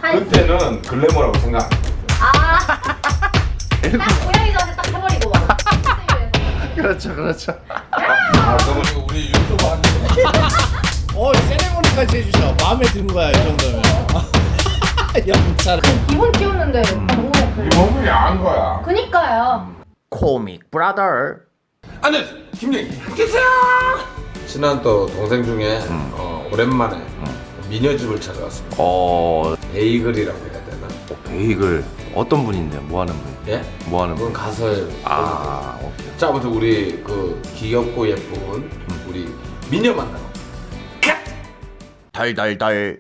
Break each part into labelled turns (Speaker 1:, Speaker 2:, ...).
Speaker 1: 그때는 글래머라고 생각.
Speaker 2: 딱 고양이 전에 딱 해버리고 막.
Speaker 3: 그렇죠, 그렇죠.
Speaker 1: 그러면 우리 유튜브 하는
Speaker 3: 세레모니까지 해주셔. 마음에 든 거야 이 정도면. 영차.
Speaker 2: 기본 키우는데 너무
Speaker 1: 이 몸이 야한 거야.
Speaker 2: 그니까요.
Speaker 3: 코믹 브라더.
Speaker 1: 안녕하세요, 김영희. 계세요. 친한 또 동생 중에 오랜만에 미녀집을 찾아왔습니다. 베이글이라고 해야 되나?
Speaker 3: 베이글 어떤 분인데요? 뭐 하는 분?
Speaker 1: 예?
Speaker 3: 뭐 하는
Speaker 1: 그건
Speaker 3: 분?
Speaker 1: 가서예요.
Speaker 3: 오케이.
Speaker 1: 자, 아무튼 우리 그 귀엽고 예쁜 우리 미녀 만나러.
Speaker 3: 달달달.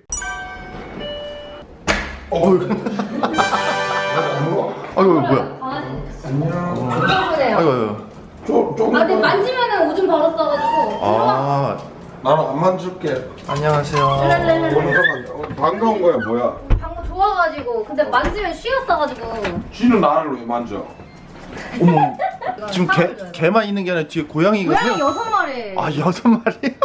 Speaker 3: 아이고 뭐야?
Speaker 2: 강아지.
Speaker 1: 안녕.
Speaker 2: 안녕.
Speaker 3: 아이고.
Speaker 1: 조금.
Speaker 2: 근데 만지면은 오줌 바로 싸가지고.
Speaker 1: 나는 안 만질게.
Speaker 3: 안녕하세요.
Speaker 1: 반가운 거야 뭐야?
Speaker 2: 방금 좋아가지고 근데 만지면 쉬었어가지고.
Speaker 1: 쥐는 나를 왜 만져?
Speaker 3: 어머. 지금 개만 있는 게 아니라 뒤에 고양이가
Speaker 2: 고양이 6마리.
Speaker 3: 6마리?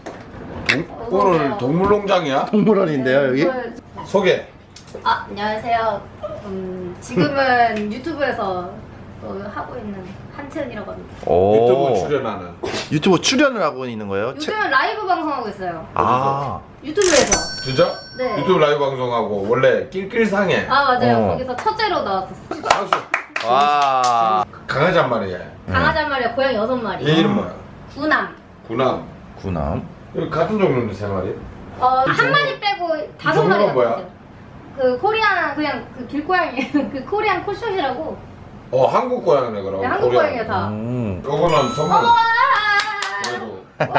Speaker 1: 오늘 동물농장이야?
Speaker 3: 동물원인데요 여기?
Speaker 1: 소개.
Speaker 2: 안녕하세요. 지금은 유튜브에서 하고 있는 한채은이라고 합니다.
Speaker 1: 유튜브 출연하는.
Speaker 3: 유튜브 출연을 하고 있는 거예요?
Speaker 2: 요즘은 라이브 방송하고 있어요. 유튜브에서.
Speaker 1: 진짜?
Speaker 2: 네.
Speaker 1: 유튜브 라이브 방송하고 원래 낄낄상해.
Speaker 2: 맞아요. 거기서 첫째로 나왔었어.
Speaker 1: 박수.
Speaker 3: 와.
Speaker 1: 강아지 한 마리야.
Speaker 2: 강아지 한 마리에 고양이 6마리.
Speaker 1: 얘 이름 뭐야?
Speaker 2: 구남.
Speaker 1: 구남.
Speaker 3: 구남.
Speaker 1: 여기 같은 종류인데 3마리?
Speaker 2: 한 마리 빼고 5마리.
Speaker 1: 종류가 뭐야?
Speaker 2: 그 코리안 그냥 그 길고양이 그 코리안 콧숏이라고.
Speaker 1: 한국 고양이네 그럼.
Speaker 2: 네, 한국 고양이야 다.
Speaker 1: 요거는 선물. 그래도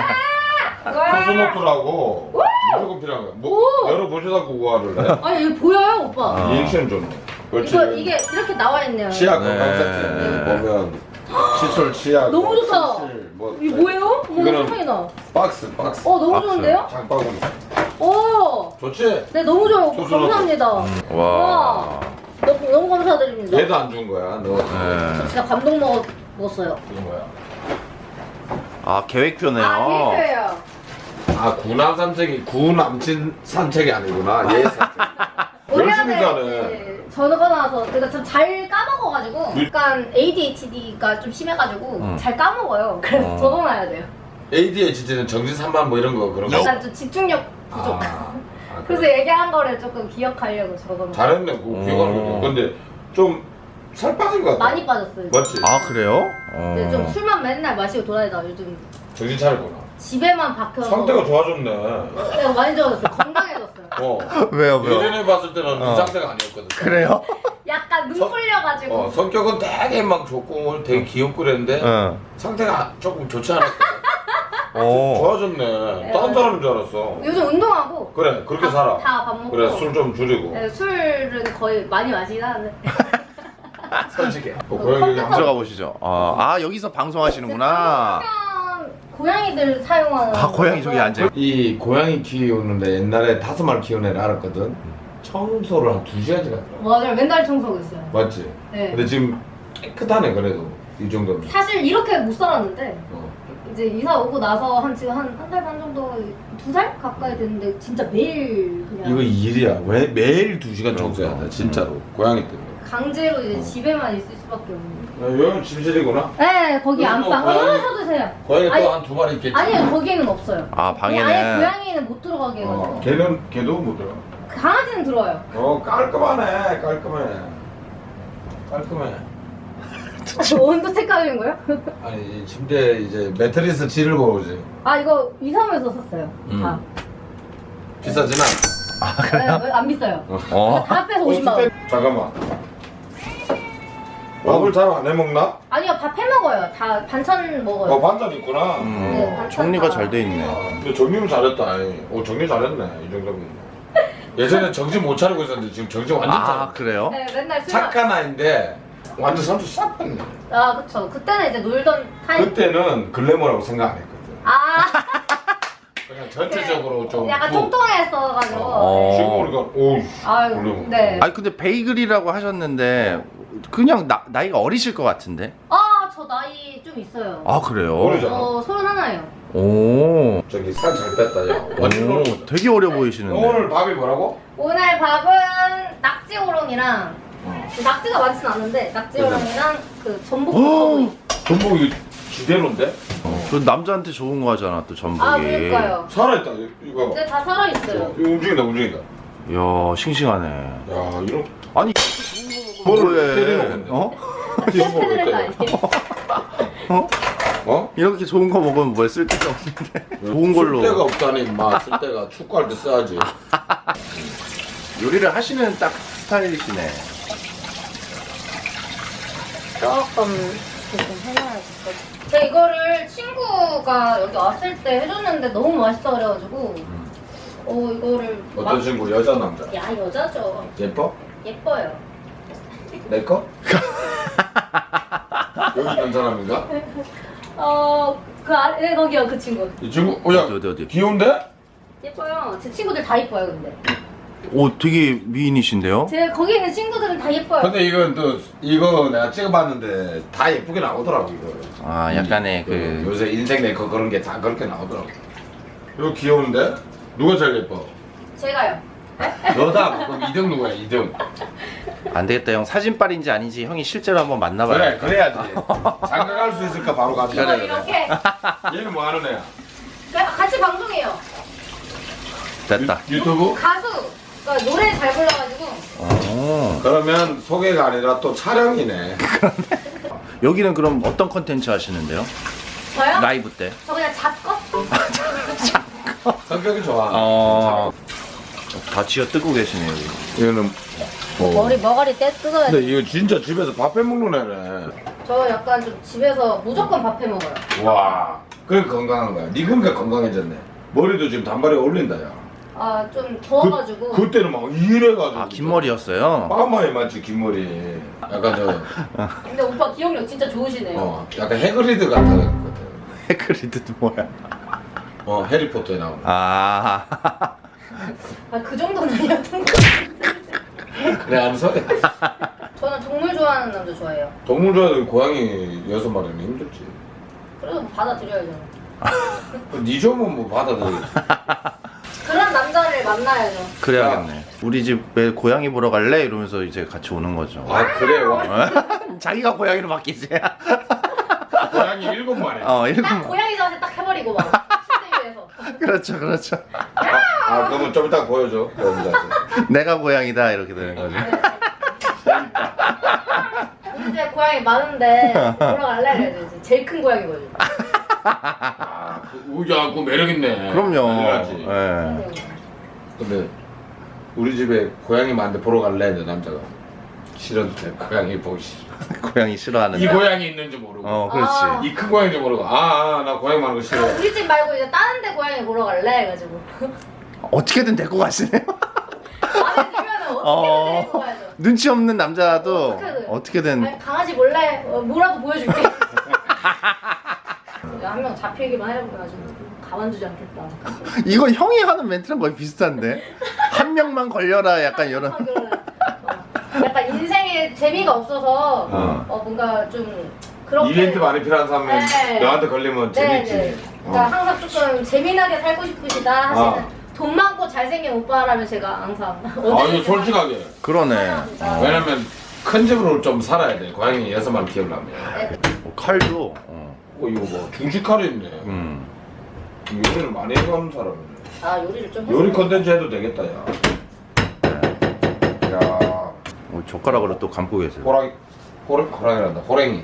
Speaker 1: 코스모토라고 무조건 필요한 거야. 뭐 열어보시다 그거를 해.
Speaker 2: 아니 이거 보여요 오빠?
Speaker 1: 리액션 좋네. 그렇지.
Speaker 2: 이게 이렇게 나와 있네요.
Speaker 1: 치약
Speaker 3: 네.
Speaker 1: 건강 세트 보면 칫솔 치약.
Speaker 2: 너무 좋다.
Speaker 1: 칫솔, 뭐
Speaker 2: 이게 뭐예요?
Speaker 1: 이거는
Speaker 2: 세상에 나.
Speaker 1: 박스.
Speaker 2: 너무
Speaker 3: 박스.
Speaker 2: 좋은데요?
Speaker 1: 장바구니. 좋지?
Speaker 2: 네 너무 좋아요. 오빠.
Speaker 1: 소스로.
Speaker 2: 감사합니다.
Speaker 3: 와.
Speaker 2: 너무 감사드립니다.
Speaker 1: 얘도 안 준 거야. 너.
Speaker 2: 저 진짜 감동 먹었어요.
Speaker 1: 준 거야.
Speaker 3: 계획표네요.
Speaker 2: 필요해요.
Speaker 1: 구남 산책이 구남친 산책이 아니구나. 얘 산책. 열심히 가네.
Speaker 2: 전화가 나와서 그러니까 좀 잘 까먹어가지고 약간 ADHD가 좀 심해가지고 잘 까먹어요. 그래서 적어놔야 돼요.
Speaker 1: ADHD는 정신 산만 뭐 이런 거 그런 거.
Speaker 2: 약간 좀 집중력 부족. 그래서 얘기한 거를 조금 기억하려고 적어놓은
Speaker 1: 잘했네. 그거 기억하는 거. 근데 좀 살 빠진 것 같아.
Speaker 2: 많이 빠졌어요.
Speaker 1: 맞지?
Speaker 3: 그래요?
Speaker 2: 근데 좀 술만 맨날 마시고 돌아다니다 요즘
Speaker 1: 정신 차렸구나.
Speaker 2: 집에만 박혀서
Speaker 1: 상태가 좋아졌네.
Speaker 2: 내가 많이 좋아졌어요. 건강해졌어요.
Speaker 3: 왜요?
Speaker 1: 예전에 봤을 때는 이 상태가 아니었거든.
Speaker 3: 그래요?
Speaker 2: 약간 눈 풀려가지고
Speaker 1: 성격은 되게 막 좋고 되게 귀엽고 그랬는데 상태가 조금 좋지 않았거든. 좋아졌네. 다른 사람인 줄 알았어.
Speaker 2: 요즘 운동하고
Speaker 1: 그래 그렇게 살아.
Speaker 2: 다 밥 먹고
Speaker 1: 그래 술 좀 줄이고.
Speaker 2: 네, 술은 거의 많이 마시긴 하는데
Speaker 1: 솔직해. 고양이 여기
Speaker 3: 들어가 보시죠. 여기서 방송하시는구나.
Speaker 2: 고양이들 사용하는
Speaker 3: 고양이 저기 앉아.
Speaker 1: 이 고양이 키우는데 옛날에 5마리 키우는 애를 알았거든. 청소를 한 2시간씩 하더라.
Speaker 2: 맞아요. 맨날 청소하고 있어요.
Speaker 1: 맞지?
Speaker 2: 네.
Speaker 1: 근데 지금 깨끗하네 그래도 이 정도면.
Speaker 2: 사실 이렇게 못 살았는데
Speaker 1: 어.
Speaker 2: 이제 이사 오고 나서 지금 한 달 반 정도 2달 가까이 됐는데 진짜 매일 그냥
Speaker 1: 이거 일이야. 왜 매일 2시간 청소해야 돼 진짜로. 고양이 때문에.
Speaker 2: 강제로 이제 집에만 있을 수밖에 없는.
Speaker 1: 여기는 침실이구나.
Speaker 2: 네, 거기
Speaker 1: 여기
Speaker 2: 안방.
Speaker 1: 또 고양이-
Speaker 2: 쳐주세요.
Speaker 1: 고양이
Speaker 2: 아니,
Speaker 1: 또 한 2마리 있겠지.
Speaker 2: 아니요, 거기에는 없어요.
Speaker 3: 방에는.
Speaker 2: 아예 고양이는 못 들어가게 해가지고.
Speaker 1: 걔도 못 들어.
Speaker 2: 강아지는 들어와요.
Speaker 1: 깔끔하네. 깔끔해.
Speaker 2: 온도 체크하는 거요?
Speaker 1: 아니 이 침대 이제 매트리스 질을 보지.
Speaker 2: 이거 이사무에서 샀어요. 다.
Speaker 1: 비싸진 않아.
Speaker 2: 네, 안 비싸요.
Speaker 3: 어.
Speaker 2: 다 합해서 50만 원.
Speaker 1: 잠깐만. 밥을 잘 안 해먹나?
Speaker 2: 아니요, 밥 해 먹어요. 다 반찬 먹어요.
Speaker 1: 반찬 있구나.
Speaker 2: 네, 반찬
Speaker 3: 정리가
Speaker 2: 다.
Speaker 3: 잘 돼 있네.
Speaker 1: 근데 정리는 잘했다. 정리 잘했네. 이 정도면. 예전에 정신 못 차리고 있었는데 지금 정신 완전 차려.
Speaker 3: 그래요?
Speaker 2: 네, 맨날 술
Speaker 1: 착한 아이인데 완전 삼수 싹 뺐네.
Speaker 2: 그쵸. 그때는 이제 놀던 타임.
Speaker 1: 그때는 글래머라고 생각 안 했거든. 그냥 전체적으로 좀
Speaker 2: 약간 통통했어가지고.
Speaker 1: 지금 보니까 오우
Speaker 2: 아유,
Speaker 1: 글래머.
Speaker 2: 네.
Speaker 3: 근데 베이글이라고 하셨는데 그냥 나이가 어리실 것 같은데.
Speaker 2: 저 나이 좀 있어요.
Speaker 3: 그래요?
Speaker 1: 어리잖아.
Speaker 2: 31이에요.
Speaker 3: 오.
Speaker 1: 저기 살 잘 뺐다 야. 완전
Speaker 3: 되게 어려 보이시는데.
Speaker 1: 오늘 밥이 뭐라고?
Speaker 2: 오늘 밥은 호랑이랑 낙지가 많진 않은데 낙지 호랑이랑 그 전복
Speaker 3: 어?
Speaker 1: 전복이 지대로인데?
Speaker 3: 그 남자한테 좋은 거 하잖아 또 전복이.
Speaker 2: 아 그러니까요.
Speaker 1: 살아있다 이거.
Speaker 2: 근데 다 살아있어요.
Speaker 1: 이거 움직인다 움직인다.
Speaker 3: 이야 싱싱하네.
Speaker 1: 야 이런
Speaker 3: 아니
Speaker 1: 뭐를 때리는
Speaker 3: 어?
Speaker 2: 패드는 거 아니에요?
Speaker 3: 어?
Speaker 1: 어?
Speaker 3: 이렇게 좋은 거 먹으면 뭐에 쓸데가 없는데. 좋은 걸로.
Speaker 1: 쓸데가 없다니 마 쓸데가 축구할 때 써야지.
Speaker 3: 요리를 하시는 딱 스타일이시네.
Speaker 2: 조금 해놔야겠어. 제가 이거를 친구가 여기 왔을 때 해줬는데 너무 맛있어 그래가지고 이거를
Speaker 1: 어떤 친구 여자 남자?
Speaker 2: 야 여자죠.
Speaker 1: 예뻐?
Speaker 2: 예뻐요.
Speaker 1: 내 거? 여기 있는 사람인가?
Speaker 2: 네 거기요 그 친구.
Speaker 1: 이 친구 야
Speaker 3: 어디?
Speaker 1: 귀여운데?
Speaker 2: 예뻐요. 제 친구들 다 예뻐요 근데.
Speaker 3: 오 되게 미인이신데요?
Speaker 2: 제 거기 있는 친구들은 다 예뻐요.
Speaker 1: 근데 이건 또 이거 내가 찍어봤는데 다 예쁘게 나오더라고 이거.
Speaker 3: 아 약간의 그
Speaker 1: 요새 인생 네컷 그런 게 다 그렇게 나오더라고. 이거 귀여운데? 누가 제일 예뻐?
Speaker 2: 제가요.
Speaker 1: 너다. 그럼 2등 누구야? 2등.
Speaker 3: 안 되겠다 형 사진빨인지 아닌지 형이 실제로 한번 만나봐요.
Speaker 1: 그래 그래야지. 장가갈 수 있을까 바로 가자.
Speaker 2: 이거 이렇게
Speaker 1: 얘는 뭐 하는 애야?
Speaker 2: 같이 방송해요.
Speaker 3: 됐다.
Speaker 1: 유튜브?
Speaker 2: 가수. 그러니까 노래 잘 불러가지고.
Speaker 1: 그러면 소개가 아니라 또 촬영이네.
Speaker 3: 여기는 그럼 어떤 컨텐츠 하시는데요?
Speaker 2: 저요?
Speaker 3: 라이브 때?
Speaker 2: 저 그냥 잡거.
Speaker 1: 성격이 좋아.
Speaker 3: 다 쥐어 뜯고 계시네요. 여기.
Speaker 1: 이거는
Speaker 2: 머가리 떼 뜯어야
Speaker 1: 근데 이거 진짜 집에서 밥 해 먹는 애네.
Speaker 2: 저 약간 좀 집에서 무조건 밥 해 먹어요.
Speaker 1: 와, 그래 건강한 거야. 니 그러니까 건강해졌네. 머리도 지금 단발에 올린다 야.
Speaker 2: 아 좀 더워가지고.
Speaker 1: 그때는 막 이래가지고.
Speaker 3: 아 긴 머리였어요?
Speaker 1: 빠마에 맞지 긴 머리. 약간 저
Speaker 2: 근데 오빠 기억력 진짜 좋으시네요.
Speaker 1: 약간 해그리드 같았거든.
Speaker 3: 해그리드도 뭐야?
Speaker 1: 해리포터에 나오는.
Speaker 3: 아
Speaker 2: 그 정도는 아니었던 것 같은데.
Speaker 1: 그래 안 서야.
Speaker 2: 저는 동물 좋아하는 남자 좋아해요.
Speaker 1: 동물 좋아하는 고양이 6마리는 힘들지.
Speaker 2: 그래도 뭐 받아들여야죠.
Speaker 1: 니 좀은 뭐 받아들여.
Speaker 2: 그런 남자를 만나야죠.
Speaker 3: 그래야겠네. 우리 집에 고양이 보러 갈래? 이러면서 이제 같이 오는 거죠.
Speaker 1: 아 그래 와.
Speaker 3: 자기가 고양이로 바뀌지.
Speaker 1: 고양이 7마리.
Speaker 3: 일곱
Speaker 2: 딱
Speaker 3: 마리.
Speaker 2: 고양이 자세 딱 해버리고 막 침대 위에서.
Speaker 3: 그렇죠.
Speaker 1: 그러면 좀 이따 보여줘. 고양이 자세.
Speaker 3: 내가 고양이다 이렇게 되는 거죠.
Speaker 2: 우리 집에 고양이 많은데 보러 갈래? 그래야지. 제일 큰 고양이거든요.
Speaker 1: 야, 그거 매력 있네.
Speaker 3: 그럼요.
Speaker 1: 당연하지.
Speaker 3: 예.
Speaker 1: 근데 우리 집에 고양이 많은데 보러 갈래? 내 남자가 싫었는데 고양이 보기 싫어.
Speaker 3: 고양이 싫어하는.
Speaker 1: 이 고양이 있는지 모르고.
Speaker 3: 그렇지.
Speaker 1: 이 큰 고양인지 모르고. 나 고양이 많은 거 싫어.
Speaker 2: 우리 집 말고 이제 다른 데 고양이 보러 갈래? 해가지고.
Speaker 3: 어떻게든 데리고 가시네요.
Speaker 2: 마음에 들면은 어떻게든 데리고 가야죠.
Speaker 3: 눈치 없는 남자도 어떻게든.
Speaker 2: 아니, 강아지 몰래 뭐라도 보여줄게. 한 명 잡히기만 해가지고 가만두지 않겠다.
Speaker 3: 이건 형이 하는 멘트랑 거의 비슷한데. 한 명만 걸려라 약간 이런.
Speaker 2: 약간 인생에 재미가 없어서 뭔가 좀 그렇게
Speaker 1: 이벤트 많이 필요한 사람은
Speaker 2: 네.
Speaker 1: 너한테 걸리면 재밌지.
Speaker 2: 네. 그러니까 항상 조금 재미나게 살고 싶으시다 하시는 돈 많고 잘생긴 오빠라면 제가 항상
Speaker 1: 아니 솔직하게.
Speaker 3: 그러네.
Speaker 1: 왜냐면 큰 집으로 좀 살아야 돼. 고양이 6마리 키우려면.
Speaker 3: 칼도.
Speaker 1: 이거 뭐 중식칼이 있네. 요리를 많이 해가는 사람이네.
Speaker 2: 요리를 좀
Speaker 1: 요리
Speaker 2: 했어요.
Speaker 1: 컨텐츠 해도 되겠다 야. 야.
Speaker 3: 젓가락으로 또 감고 계세요.
Speaker 1: 호랑이란다. 호랭이.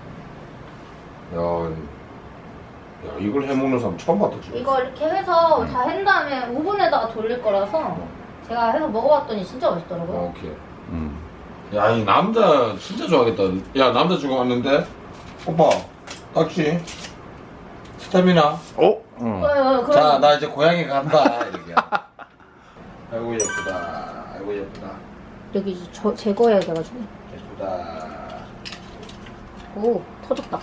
Speaker 1: 야 이걸 해먹는 사람 처음 봤다 지금.
Speaker 2: 이거 이렇게 해서 다 한 다음에 오븐에다가 돌릴 거라서 제가 해서 먹어봤더니 진짜 맛있더라고요.
Speaker 1: 오케이. 야 이 남자 진짜 좋아하겠다. 야 남자 주고 왔는데 오빠 딱지 스태미나.
Speaker 3: 응.
Speaker 1: 나 이제 고향에 간다 이렇게. 아이고 예쁘다. 아이고 예쁘다.
Speaker 2: 여기 제거해야 돼가지고.
Speaker 1: 예쁘다.
Speaker 2: 오 터졌다.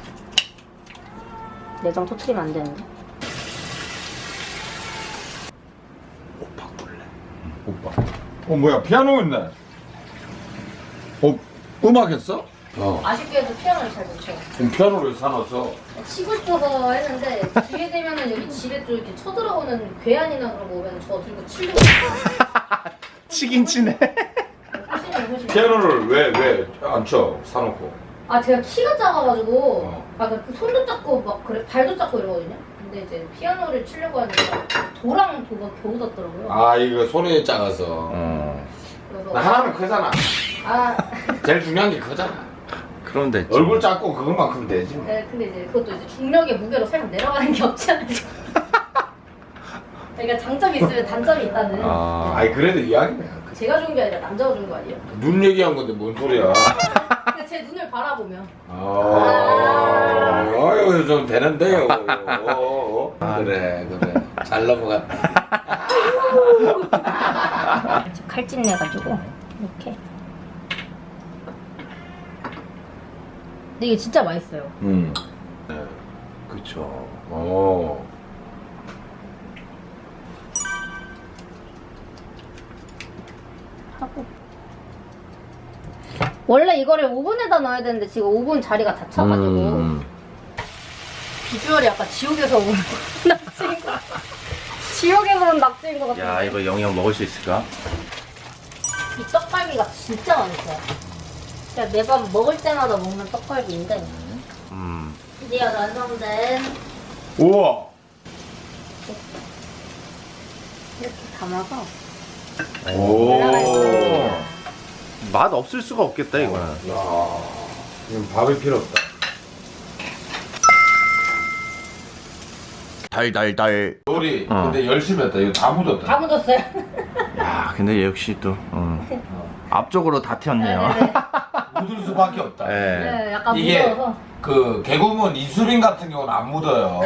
Speaker 2: 내장 터트리면 안 되는데.
Speaker 1: 오빠 볼래? 오빠. 뭐야 피아노 있네. 음악 했어?
Speaker 2: 아쉽게도 피아노를 잘 못 쳐요.
Speaker 1: 그럼 피아노를 사놨어.
Speaker 2: 치고 싶어서 했는데 기회 되면은 여기 집에 또 이렇게 쳐들어오는 괴한이나 그런 거 오면 저 들고 치려고.
Speaker 3: 치긴 치네.
Speaker 2: 사실은 훨씬.
Speaker 1: 피아노를 왜 안 쳐? 사놓고.
Speaker 2: 아 제가 키가 작아가지고
Speaker 1: 어.
Speaker 2: 그 손도 작고 막 그래 발도 작고 이러거든요. 근데 이제 피아노를 치려고 하니까 도랑 도가 겨우 닿더라고요.
Speaker 1: 아 이거 손이 작아서.
Speaker 2: 그래서
Speaker 1: 나 하나는 크잖아.
Speaker 2: 아
Speaker 1: 제일 중요한 게 크잖아.
Speaker 3: 그럼 됐지.
Speaker 1: 얼굴 작고 그것만 크면 되지. 뭐.
Speaker 2: 네, 근데 이제 그것도 이제 중력의 무게로 살짝 내려가는 게 없잖아요. 그러니까 장점이 있으면 단점이 있다는.
Speaker 3: 아.
Speaker 1: 아이 그래도 이야기네.
Speaker 2: 제가 좋은 게 아니라 남자가 좋은 거 아니에요?
Speaker 1: 눈 얘기한 건데 뭔 소리야?
Speaker 2: 그러니까 제 눈을 바라보면.
Speaker 1: 아유 좀 되는데요. 그래 잘 넘어갔다.
Speaker 2: 칼집 내가지고 이렇게. 근데 이게 진짜 맛있어요.
Speaker 3: 그쵸.
Speaker 1: 오.
Speaker 2: 하고. 원래 이거를 오븐에다 넣어야 되는데 지금 오븐 자리가 다 차가지고 비주얼이 약간 지옥에서 온 낙지인 것 같아. 지옥에서 온 낙지인 것 같아.
Speaker 3: 야, 이거 영영 먹을 수 있을까?
Speaker 2: 이 떡갈비가 진짜 맛있어요. 제가 매번 먹을 때마다 먹는 떡갈비인데 드디어 완성된
Speaker 1: 우와.
Speaker 2: 이렇게 담아서
Speaker 1: 오.
Speaker 3: 맛 없을 수가 없겠다, 이거는.
Speaker 1: 야, 이건 밥이 필요 없다.
Speaker 3: 달달달.
Speaker 1: 요리 근데 열심히 했다. 이거 다 묻었다.
Speaker 2: 다 묻었어요.
Speaker 3: 야, 근데 역시 또 앞쪽으로 다 튀었네요.
Speaker 2: 네네네.
Speaker 1: 묻을 수밖에 없다.
Speaker 3: 네.
Speaker 2: 네, 약간
Speaker 1: 이게
Speaker 2: 묻어서.
Speaker 1: 그 개구먼 이수빈 같은 경우는 안 묻어요.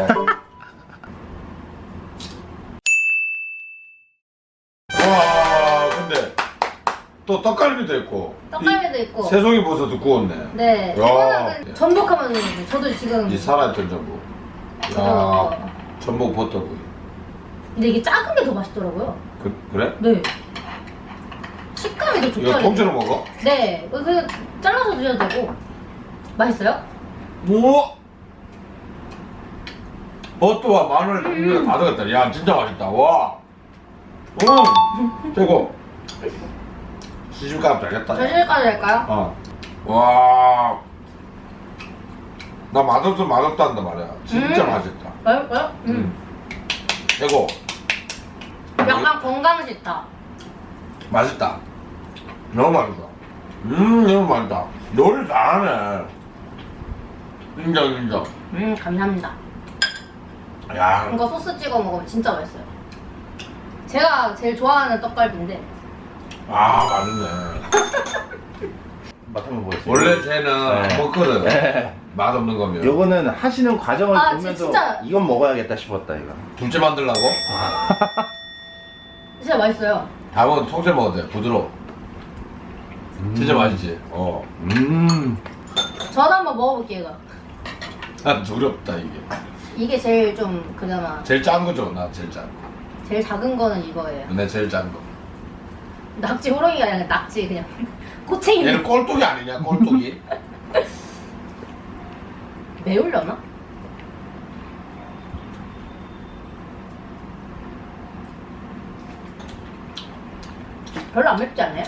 Speaker 1: 와, 근데 또 떡갈비도 있고.
Speaker 2: 떡갈비도 있고.
Speaker 1: 새송이 버섯도 구웠네.
Speaker 2: 네.
Speaker 1: 야.
Speaker 2: 이거는 전복하면 되는데 저도 지금
Speaker 1: 이 살아있던 전복.
Speaker 2: 그거.
Speaker 1: 야, 전복 버터구이.
Speaker 2: 근데 이게 작은 게 더 맛있더라고요.
Speaker 1: 그래?
Speaker 2: 네. 식감이 더
Speaker 1: 이거
Speaker 2: 좋더라고요.
Speaker 1: 통째로 먹어?
Speaker 2: 네. 그냥 잘라서 드셔도 되고. 맛있어요?
Speaker 1: 우와! 버터와 마늘 이거 다 들어갔다. 야, 진짜 맛있다. 와. 최고. 시집가면 되겠다.
Speaker 2: 저 실까지 할까요?
Speaker 1: 어. 와. 나 맛없어 맛없다 한단 말이야. 진짜 맛있다.
Speaker 2: 맛있어요?
Speaker 1: 최고.
Speaker 2: 약간 건강 식다.
Speaker 1: 맛있다. 너무 맛있다. 너무 맛있다. 요리 잘하네. 인정.
Speaker 2: 감사합니다.
Speaker 1: 야.
Speaker 2: 이거 소스 찍어 먹으면 진짜 맛있어요. 제가 제일 좋아하는 떡갈비인데.
Speaker 1: 아, 맛있네.
Speaker 3: 맛 한번 보겠습니다.
Speaker 1: 원래 쟤는
Speaker 3: 네.
Speaker 1: 먹거든.
Speaker 3: 네.
Speaker 1: 맛없는 거면.
Speaker 3: 요거는 하시는 과정을
Speaker 2: 아,
Speaker 3: 보면서
Speaker 2: 진짜.
Speaker 3: 이건 먹어야겠다 싶었다, 이거.
Speaker 1: 둘째 만들라고?
Speaker 2: 진짜 맛있어요.
Speaker 1: 다음은 통째 먹어도 돼. 부드러워. 진짜 맛있지? 어.
Speaker 2: 저도 한번 먹어볼게요, 이거.
Speaker 1: 난 두렵다, 이게.
Speaker 2: 이게 제일 좀 그나마
Speaker 1: 제일 짠 거죠, 나 제일 짠 거.
Speaker 2: 제일 작은 거는 이거예요.
Speaker 1: 내 제일 짠 거.
Speaker 2: 낙지 호롱이가 아니라 낙지 그냥 꼬챙이.
Speaker 1: 얘는 꼴뚜기 아니냐, 꼴뚜기?
Speaker 2: 매울려나? 별로 안 맵지 않아요?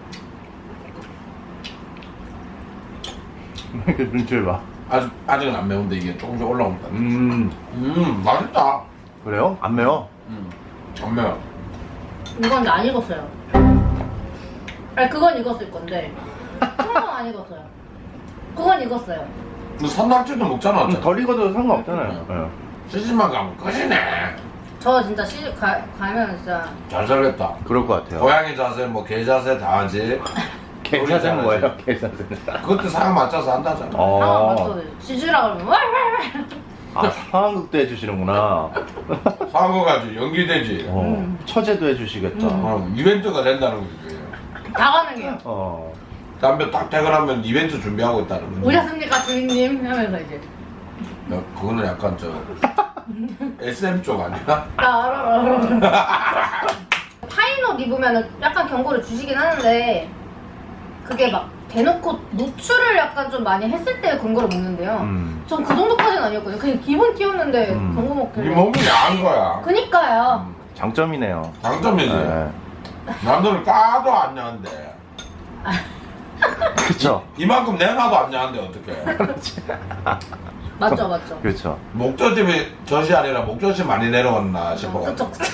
Speaker 3: 그 눈치를 봐.
Speaker 1: 아직은 안 매운데 이게 조금씩 올라온다. 맛있다.
Speaker 3: 그래요? 안 매워?
Speaker 1: 안 매워.
Speaker 2: 이건 근데 안 익었어요. 아니 그건 익었을 건데 그건 안 익었어요. 그건 익었어요.
Speaker 1: 너 산낙지도 먹잖아. 어차피.
Speaker 3: 덜 익어도 상관없잖아요. 네.
Speaker 1: 시집만 가면 끝이네.
Speaker 2: 저 진짜 시집 가면 진짜
Speaker 1: 잘 살겠다.
Speaker 3: 그럴 것 같아요.
Speaker 1: 고양이 자세, 뭐 개 자세 다 하지.
Speaker 3: 계산은 뭐예요? 계산은.
Speaker 1: 그것도 상황 맞춰서 한다잖아.
Speaker 2: 상황 맞춰 지주라 그러면 왈왈왈.
Speaker 3: 아, 상황극도 해주시는구나.
Speaker 1: 상황 가지고 연기되지.
Speaker 3: 처제도 해주시겠다.
Speaker 1: 이벤트가 된다는 거지.
Speaker 2: 다 가능해요.
Speaker 1: 담배 딱 퇴근하면 이벤트 준비하고 있다는 거지.
Speaker 2: 오셨습니까 주인님? 하면서 이제
Speaker 1: 야, 그거는 약간 저 SM 쪽 아니야?
Speaker 2: 나 알아. 파인옷 입으면 약간 경고를 주시긴 하는데 그게 막 대놓고 노출을 약간 좀 많이 했을 때 경고를 먹는데요. 전 그 정도까지는 아니었거든요. 그냥 기본 띄웠는데 경고 먹길래.
Speaker 1: 네 몸이 야한 거야.
Speaker 2: 그니까요.
Speaker 3: 장점이네요.
Speaker 1: 장점이지.
Speaker 3: 네.
Speaker 1: 남들은 까도 안 야한데.
Speaker 4: 그쵸?
Speaker 1: 이만큼 내놔도 안 야한데 어떡해.
Speaker 2: 맞죠, 맞죠.
Speaker 4: 그렇죠.
Speaker 1: 목젖집이 젖이 아니라 목젖이 많이 내려왔나 싶어가지고.
Speaker 2: 그쵸.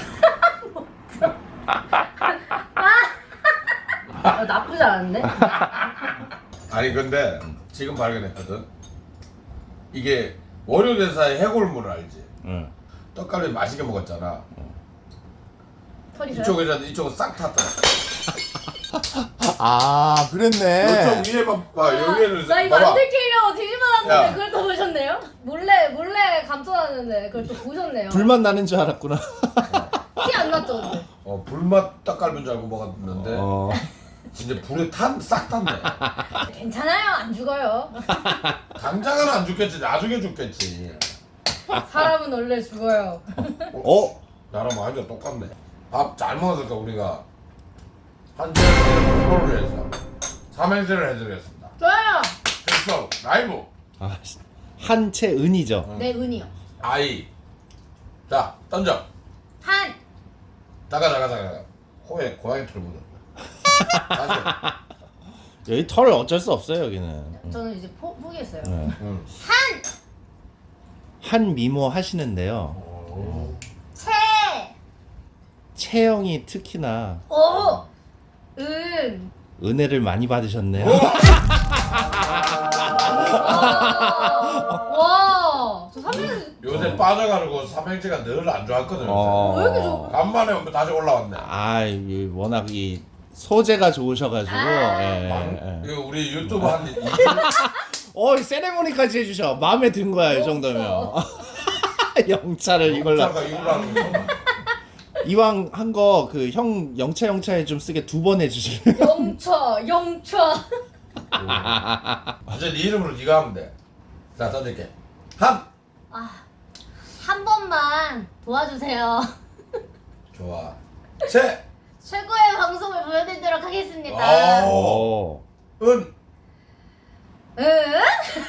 Speaker 2: 나쁘지 않은데?
Speaker 1: 아니 근데 지금 발견했거든. 이게 월요대사의 해골물 알지?
Speaker 3: 응.
Speaker 1: 떡갈비 맛있게 먹었잖아.
Speaker 2: 털이
Speaker 1: 이쪽은 싹 탔더라.
Speaker 3: 아 그랬네.
Speaker 1: 이쪽 위에 봐 여기를
Speaker 2: 나 이거
Speaker 1: 봐봐.
Speaker 2: 안 들키려고 뒤집어놨는데
Speaker 1: 야.
Speaker 2: 그걸 또 보셨네요? 몰래 감춰놨는데 그걸 또 보셨네요.
Speaker 3: 불만 나는 줄 알았구나.
Speaker 2: 티 안 났죠? 근데?
Speaker 1: 불맛 떡갈비인 줄 알고 먹었는데
Speaker 3: 어.
Speaker 1: 진짜 불에 싹 탔네.
Speaker 2: 괜찮아요, 안 죽어요.
Speaker 1: 당장은 안 죽겠지. 나중에 죽겠지.
Speaker 2: 사람은 원래 죽어요.
Speaker 3: 어?
Speaker 1: 나랑 완전 똑같네. 밥 잘 먹었을까 우리가 한 시간에 공부를 해서 삼행시를 해드리겠습니다.
Speaker 2: 좋아요.
Speaker 1: 됐어. 라이브.
Speaker 3: 아, 한채은이죠.
Speaker 2: 내 은이요.
Speaker 1: 아이. 자 던져.
Speaker 2: 한.
Speaker 1: 자가. 코에 고양이 털 묻었다. 다시.
Speaker 3: 여기 털 어쩔 수 없어요 여기는.
Speaker 2: 저는 이제 포기했어요.
Speaker 3: 네.
Speaker 1: 응.
Speaker 2: 한.
Speaker 3: 한 미모 하시는데요.
Speaker 2: 채.
Speaker 3: 체형이 특히나
Speaker 2: 오. 은.
Speaker 3: 은혜를 많이 받으셨네요.
Speaker 2: 와. 저 3년.
Speaker 1: 요새 빠져가지고 삼행시가 늘 안 좋았거든.
Speaker 3: 어.
Speaker 2: 왜 이렇게 좋아?
Speaker 1: 간만에 다시 올라왔네.
Speaker 3: 아, 이 워낙 이 소재가 좋으셔가지고.
Speaker 2: 아.
Speaker 3: 예.
Speaker 1: 이거 우리 유튜브 한
Speaker 3: 이 세레모니까지 해주셔. 마음에 든 거야 이 정도면. 영차를 이걸로
Speaker 1: 영차가 이걸로 하는 거.
Speaker 3: 이왕 한 거 그 형 영차에 좀 쓰게 2번 해주실래요?
Speaker 2: 영차.
Speaker 1: 이제 네 이름으로 네가 하면 돼. 자 던질게. 한.
Speaker 2: 한 번만 도와주세요.
Speaker 1: 좋아. 채.
Speaker 2: 최고의 방송을 보여드리도록 하겠습니다.
Speaker 1: 오.
Speaker 3: 오.
Speaker 1: 은.
Speaker 2: 응?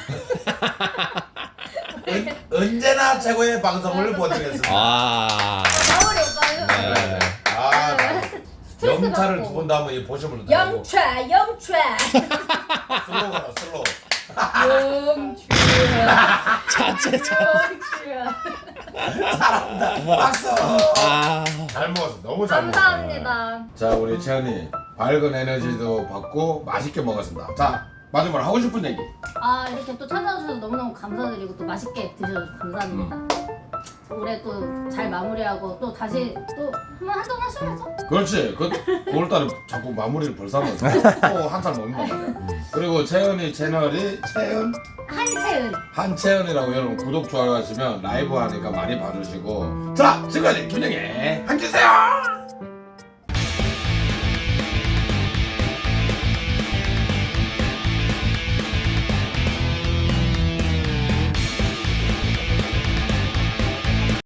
Speaker 1: 언제나 최고의 방송을 보여드리겠습니다.
Speaker 3: 아.
Speaker 2: 나우리 오빠는
Speaker 3: 네.
Speaker 1: 아,
Speaker 2: 스트레스
Speaker 1: 영차를
Speaker 2: 받고.
Speaker 1: 두 번 다음에 이 보시면 돼.
Speaker 2: 영차.
Speaker 1: 슬로우가라 슬로우.
Speaker 2: 영차.
Speaker 3: 자체
Speaker 2: 영차.
Speaker 1: 박수.
Speaker 3: 아.
Speaker 1: 잘 먹었어. 너무 잘 먹었어.
Speaker 2: 감사합니다.
Speaker 1: 자 우리 채연이 밝은 에너지도 받고 맛있게 먹었습니다. 자 마지막으로 하고 싶은 얘기.
Speaker 2: 이렇게 또 찾아주셔서 너무너무 감사드리고 또 맛있게 드셔서 감사합니다. 올해 또 잘 마무리하고 또 다시 또 한번 하셔야죠.
Speaker 1: 그렇지. 9월달에 자꾸 마무리를 벌써 하면 또 한 살 먹는단 말이야. 그리고 채연이 채널이
Speaker 2: 한채은.
Speaker 1: 한채연이라고 여러분 구독 좋아요 하시면 라이브 하니까 많이 봐주시고. 자 지금까지 김영애 한주세요.